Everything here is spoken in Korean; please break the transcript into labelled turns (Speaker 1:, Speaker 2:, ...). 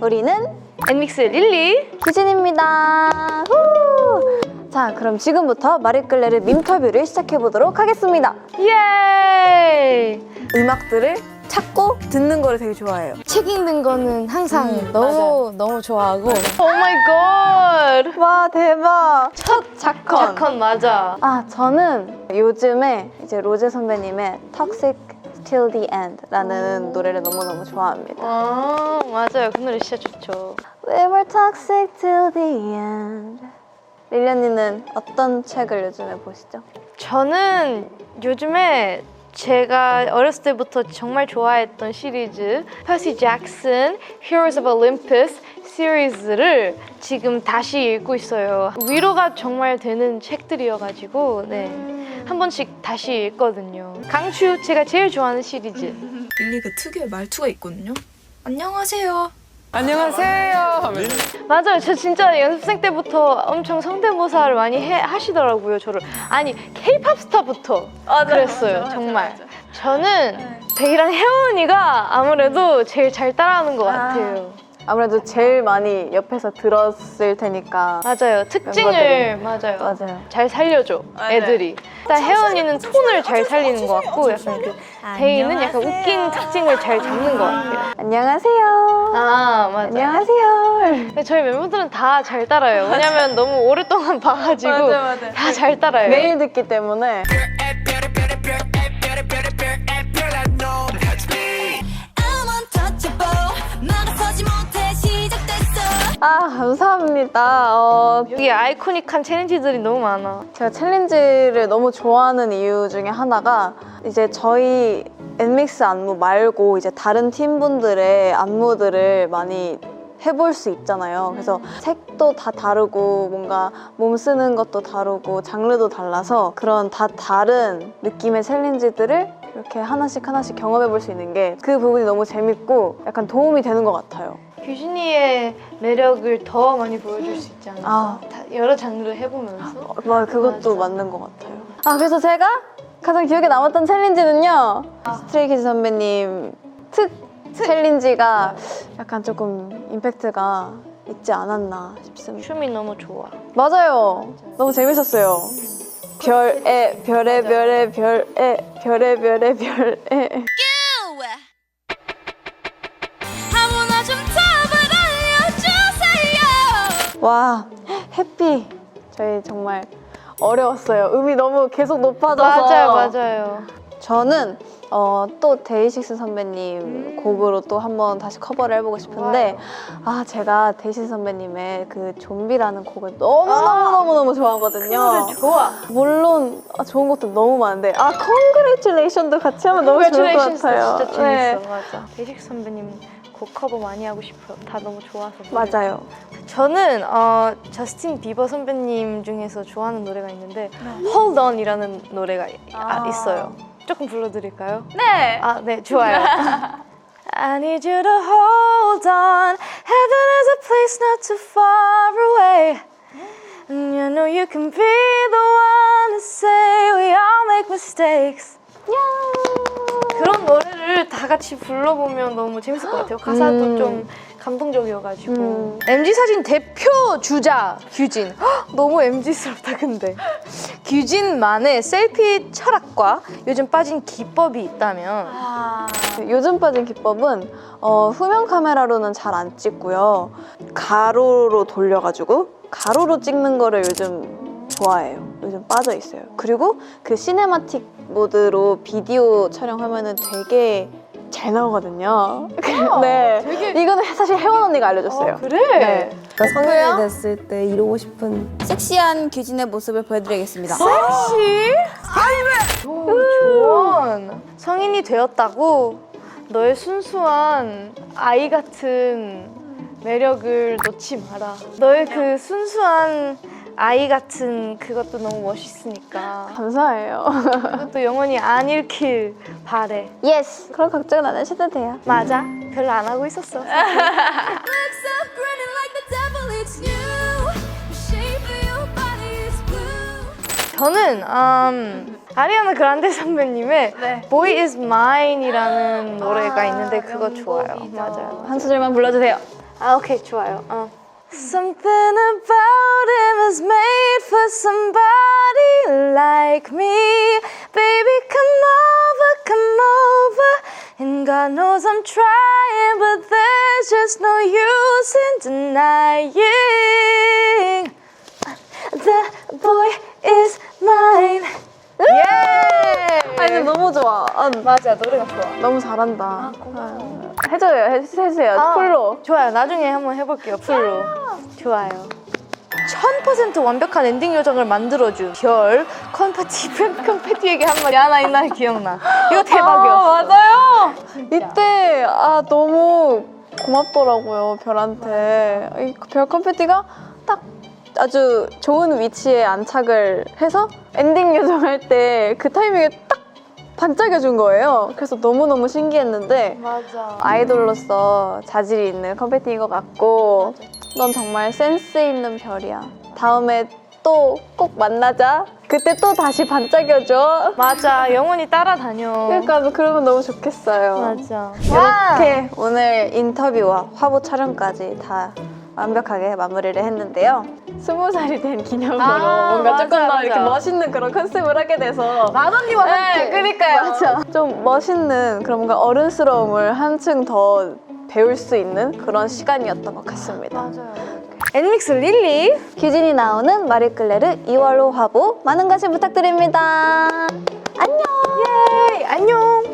Speaker 1: 우리는
Speaker 2: 엔믹스 릴리
Speaker 1: 규진입니다. 후! 자, 그럼 지금부터 마리끌레르 밈터뷰를 시작해보도록 하겠습니다.
Speaker 2: 예!
Speaker 1: 음악들을 찾고 듣는 거를 되게 좋아해요.
Speaker 3: 책 읽는 거는 항상 너무 좋아하고
Speaker 2: 오 마이 갓!
Speaker 1: 와, 대박. 첫 자컨.
Speaker 2: 자컨 맞아.
Speaker 1: 아, 저는 요즘에 이제 로제 선배님의 Toxic Till the End 라는 노래를 너무너무 좋아합니다.
Speaker 2: 아 맞아요. 그 노래 진짜 좋죠.
Speaker 1: We were toxic till the end. 릴리언니는 어떤 책을 요즘에 보시죠?
Speaker 2: 저는 요즘에 제가 어렸을 때부터 정말 좋아했던 시리즈 퍼시 잭슨 Heroes of Olympus 시리즈를 지금 다시 읽고 있어요. 위로가 정말 되는 책들이어가지고 한 번씩 다시 읽거든요. 강추! 제가 제일 좋아하는 시리즈.
Speaker 4: 릴리 그 특유의 말투가 있거든요. 안녕하세요.
Speaker 5: 안녕하세요.
Speaker 2: 맞아요. 저 진짜 연습생 때부터 엄청 성대모사를 많이 하시더라고요. 저를. 아니 K-팝 스타부터 그랬어요. 정말. 저는 베이랑 혜원이가 아무래도 제일 잘 따라하는 것 같아요.
Speaker 1: 아무래도 제일 많이 옆에서 들었을 테니까.
Speaker 2: 맞아요. 특징을 맞아요. 잘 살려줘 애들이. 일단 혜원이는 톤을 잘 살리는 것 같고 약간 그 베이는 약간 웃긴 특징을 잘 잡는 것 같아요.
Speaker 1: 안녕하세요.
Speaker 2: 아 맞아요.
Speaker 1: 안녕하세요.
Speaker 2: 근데 저희 멤버들은 다 잘 따라요. 왜냐면 너무 오랫동안 봐가지고 다 잘 따라요.
Speaker 1: 매일 듣기 때문에. 아, 감사합니다.
Speaker 2: 여기 아이코닉한 챌린지들이 너무 많아.
Speaker 1: 제가 챌린지를 너무 좋아하는 이유 중에 하나가 이제 저희 엔믹스 안무 말고 이제 다른 팀분들의 안무들을 많이 해볼 수 있잖아요. 그래서 색도 다 다르고 뭔가 몸 쓰는 것도 다르고 장르도 달라서 그런 다 다른 느낌의 챌린지들을 이렇게 하나씩 경험해 볼 수 있는 게 그 부분이 너무 재밌고 약간 도움이 되는 것 같아요.
Speaker 2: 규진이의 매력을 더 많이 보여줄 수 있지 않을까? 여러 장르를 해보면서.
Speaker 1: 그것도 맞는 것 같아요. 아, 그래서 제가 가장 기억에 남았던 챌린지는요. 스트레이키즈 선배님 특 챌린지가 약간 조금 임팩트가 있지 않았나 싶습니다.
Speaker 2: 춤이 너무 좋아.
Speaker 1: 맞아요. 너무 재밌었어요. 별에
Speaker 3: 아무나 좀 답을 알려주세요.
Speaker 1: 와, 해피. 저희 정말 어려웠어요. 음이 너무 계속 높아져서.
Speaker 2: 맞아요.
Speaker 1: 저는 또 데이식스 선배님 곡으로 또 한번 다시 커버를 해보고 싶은데 제가 데이식스 선배님의 그 좀비라는 곡을 너무 좋아하거든요.
Speaker 2: 좋아.
Speaker 1: 물론 좋은 것도 너무 많은데 Congratulations도 같이 하면 너무 좋을 것 같아요.
Speaker 2: 진짜 재밌어. 맞아. 데이식스 선배님 곡 커버 많이 하고 싶어요. 다 너무 좋아서.
Speaker 1: 맞아요.
Speaker 2: 저는 저스틴 비버 선배님 중에서 좋아하는 노래가 있는데 Hold On이라는 노래가 있어요. 조금 불러드릴까요?
Speaker 1: 네.
Speaker 2: 네, 좋아요. I need you to hold on. Heaven is a place not too far away. And you know you can be the one to say we all make mistakes. 그런 노래를 다 같이 불러보면 너무 재밌을 것 같아요. 가사도 좀 감동적이어가지고. MG 사진 대표 주자 규진. 너무 MG스럽다 근데. 규진만의 셀피 철학과 요즘 빠진 기법이 있다면?
Speaker 1: 요즘 빠진 기법은 후면 카메라로는 잘 안 찍고요. 가로로 돌려가지고 가로로 찍는 거를 요즘 좋아해요. 요즘 빠져 있어요. 그리고 그 시네마틱 모드로 비디오 촬영하면은 되게 잘 나오거든요. 네, 이거는 사실 혜원 언니가 알려줬어요.
Speaker 2: 그래?
Speaker 1: 네.
Speaker 3: 성인이 됐을 때 이루고 싶은
Speaker 6: 섹시한 규진의 모습을 보여드리겠습니다.
Speaker 2: 섹시? 조원. 성인이 되었다고 너의 순수한 아이 같은 매력을 놓지 마라. 너의 그 순수한 아이 같은 그것도 너무 멋있으니까
Speaker 1: 감사해요.
Speaker 2: 그것도 영원히 안 잃길 바래.
Speaker 1: 예스. 그런 걱정은 안 하셔도 돼요.
Speaker 2: 맞아. 별로 안 하고 있었어.
Speaker 3: Looks up grinning like the devil, it's you. The shape of your body is blue.
Speaker 2: 저는 아리아나 그란데 선배님의 Boy is Mine이라는 노래가 있는데 그거 좋아요. 맞아요.
Speaker 1: 한 소절만 불러주세요.
Speaker 2: 아, 오케이, 좋아요. Something about him is made for somebody like me. Baby, come over. And God knows I'm trying, but there's just no use in denying. The boy is mine. 예!
Speaker 1: 아니, 너무 좋아.
Speaker 2: 맞아, 노래가 좋아.
Speaker 1: 너무 잘한다. 해주세요. 풀로.
Speaker 2: 좋아요. 나중에 한번 해볼게요. 풀로. 좋아요. 1000% 완벽한 엔딩 요정을 만들어준 별 컴패티에게 한 말이 하나 있나 기억나. 이거 대박이었어.
Speaker 1: 맞아요. 이때 너무 고맙더라고요, 별한테. 별 컴패티가 딱 아주 좋은 위치에 안착을 해서 엔딩 요정할 때 그 타이밍에 딱 반짝여준 거예요. 그래서 너무너무 신기했는데
Speaker 2: 맞아.
Speaker 1: 아이돌로서 자질이 있는 컴패티인 것 같고 넌 정말 센스 있는 별이야. 다음에 또 꼭 만나자. 그때 또 다시 반짝여줘.
Speaker 2: 맞아. 영원히 따라다녀.
Speaker 1: 그러니까 그러면 너무 좋겠어요.
Speaker 2: 맞아.
Speaker 1: 이렇게 오늘 인터뷰와 화보 촬영까지 다 완벽하게 마무리를 했는데요. 20살이 된 기념으로 뭔가
Speaker 2: 맞아,
Speaker 1: 조금 더 이렇게
Speaker 2: 맞아.
Speaker 1: 멋있는 그런 컨셉을 하게 돼서
Speaker 2: 마던니와 함께.
Speaker 1: 그러니까요. 맞아. 좀 멋있는 그런 뭔가 어른스러움을 한층 더 배울 수 있는 그런 시간이었던 것 같습니다.
Speaker 2: 맞아요. 엔믹스 릴리.
Speaker 1: 규진이 나오는 마리클레르 2월호 화보 많은 관심 부탁드립니다. 안녕.
Speaker 2: 예. 안녕.